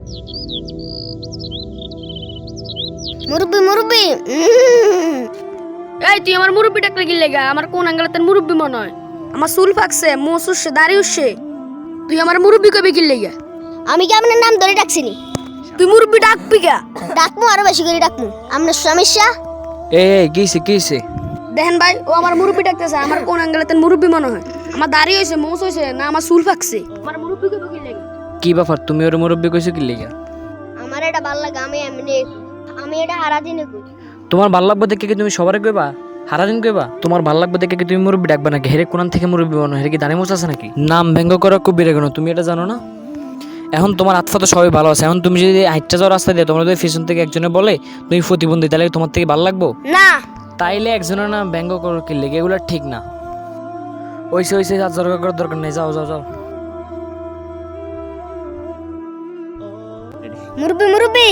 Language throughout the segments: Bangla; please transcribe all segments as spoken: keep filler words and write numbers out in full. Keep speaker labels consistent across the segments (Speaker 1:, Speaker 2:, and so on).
Speaker 1: মুরব্বি মুরব্বি
Speaker 2: এই তুই আমার মুরব্বি ডাকলে কি লেগা? আমার কোন আঙ্গেলে তোর মুরব্বি মনে হয়? আমার চুল ফাকছে, মুখ উঠছে, দাড়ি উঠছে, তুই আমার মুরব্বি কবে কি লেগা?
Speaker 1: আমি কি আপনার নাম ধরে ডাকছিনি?
Speaker 2: তুই মুরব্বি ডাকবি কা?
Speaker 1: ডাকমু আরো বেশি করে ডাকমু। আপনার সমস্যা?
Speaker 3: এ কিছে কিছে
Speaker 2: দেখেন ভাই, ও আমার মুরব্বি ডাকতেছে, আমার কোন আঙ্গেলে তোর মুরব্বি মনে হয়? আমার দাড়ি হইছে, মুখ হইছে, না আমার চুল ফাকছে? আমার মুরব্বি কবে কি লেগা?
Speaker 3: কি ব্যাপার, তুমি ওর মুরব্বি কইছো কি লেগা?
Speaker 1: আমার এটা ভাল লাগে, আমি এমনি আমি এটা হারা দিনে কই।
Speaker 3: তোমার ভাল লাগবে দেখে কি তুমি সবারে কইবা? সারাদিন কইবা? তোমার ভাল লাগবে দেখে কি তুমি মুরব্বি ডাকবা নাকি? হেরে কোন থেকে মুরব্বি মনে হয়? হেরে কি দাঁড়িয়ে মোচ আছে নাকি? নাম ব্যঙ্গ করা খুব বেড়ে গেল, তুমি এটা জানো না? এখন তোমার আত্মা তো সবাই ভালো আছে, এখন তুমি যদি হাইটটা যাওয়ার রাস্তা দিয়ে তোমার যদি পিছন থেকে একজনে বলে তুমি প্রতিবন্ধী, তাহলে তোমার থেকে ভালো লাগবো?
Speaker 1: না
Speaker 3: তাইলে একজনের নাম ব্যঙ্গ করো কি লেগে? এগুলো ঠিক না। ওইসে ওইসে আর জর্গা করার দরকার নেই, যাও যাও যাও।
Speaker 1: মুরব্বি মুরব্বি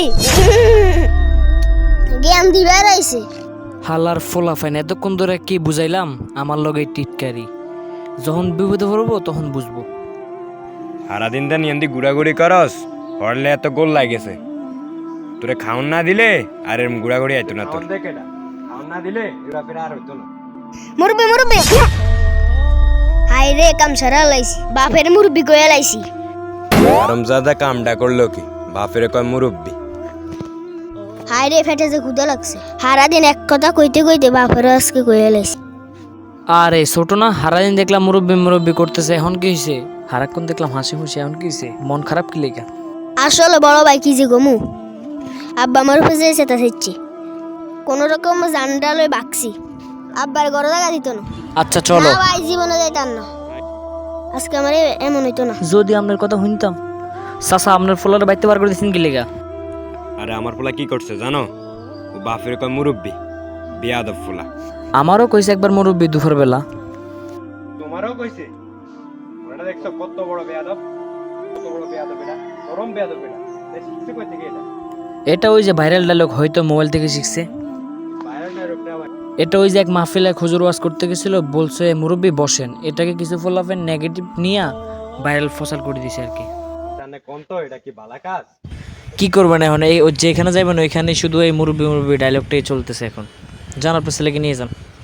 Speaker 1: জ্ঞান দিবার আইছে।
Speaker 3: হালার ফোলা ফাইন, এতক্ষণ ধরে কি বুঝাইলাম? আমার লগে টিটকারি, যখন বিপদে পড়বো তখন বুঝবো।
Speaker 4: সারাদিন দা নিয়ন্দি গুড়াগুড়ি করস, হরলে এত গোল লাগেছে। তোরে খাওন না দিলে আর এরম গুড়াগুড়ি আইতো না তোর। খাওন না দিলে ঘোরাফেরা আর হইতো না।
Speaker 1: মুরব্বি মুরব্বি হাই রে, কাম সারা লাইছি, বাপের মুরব্বি কইয়া লাইছি।
Speaker 4: আরামজাদা কামটা করলো কি? বাপের কয় মুরব্বি।
Speaker 1: হাই রে, ফেটে যে ক্ষুদা লাগছে। সারা দিন এক কথা কইতে কইতে বাপের আজকে কইয়া লাইছি।
Speaker 3: আরে ছোট না, হারাদিন দেখলাম মুরব্বি মুরব্বি করতেছে, এখন কি হয়েছে? হারাক্ষণ দেখলাম হাসি খুশি, এখন কি হয়েছে? মন খারাপ কি লেগা?
Speaker 1: আসলে বড় ভাই কি যে গমু, আব্বা আমার উপরে যেছে তা সেচ্ছি, কোন রকম জান্ডা লই বাকছি, আব্বার গড় জায়গা দিত না।
Speaker 3: আচ্ছা চলো।
Speaker 1: না ভাই, জীবনে যাইতাম না, আজকে আমার এমন হইতো না।
Speaker 3: যদি আপনার কথা শুনতাম। চাচা, আপনার ফোলার বাইতে বার করে দিচ্ছেন কি লেগা?
Speaker 4: আরে আমার পোলা কি করছে জানো? ও বাপের কয় মুরব্বি, বিয়াদব পোলা।
Speaker 3: আমারও কইছে একবার মুরব্বি দুপুর বেলা।
Speaker 4: তোমারও কইছে? ওটা দেখছো কত বড় বিয়াদব, কত বড় বিয়াদব এটা, চরম বিয়াদব এটা। তাই শিখছে কই থেকে এটা?
Speaker 3: এটা ওই যে ভাইরাল ডায়লগ, হয়তো মোবাইল থেকে শিখছে।
Speaker 4: বাইরে না রূপটা ভাই।
Speaker 3: এটা ওই যে এক মাহফিলে খুজুর ওয়াজ করতে গেছিল, বলছে মুরব্বি বসেন, এটাকে কিছু ফলাফেন নেগেটিভ নিয়ে ভাইরাল ফসাল করে দিছে আর কি।
Speaker 4: জানে কোন তো এটা কি বালা কাজ?
Speaker 3: কি করবেন এখন? এই যেখানে যাবেন ওইখানে শুধু এই মুরব্বি মুরব্বি ডায়লগটাই চলতেছে এখন। যান আপনার ছেলেকে নিয়ে যান।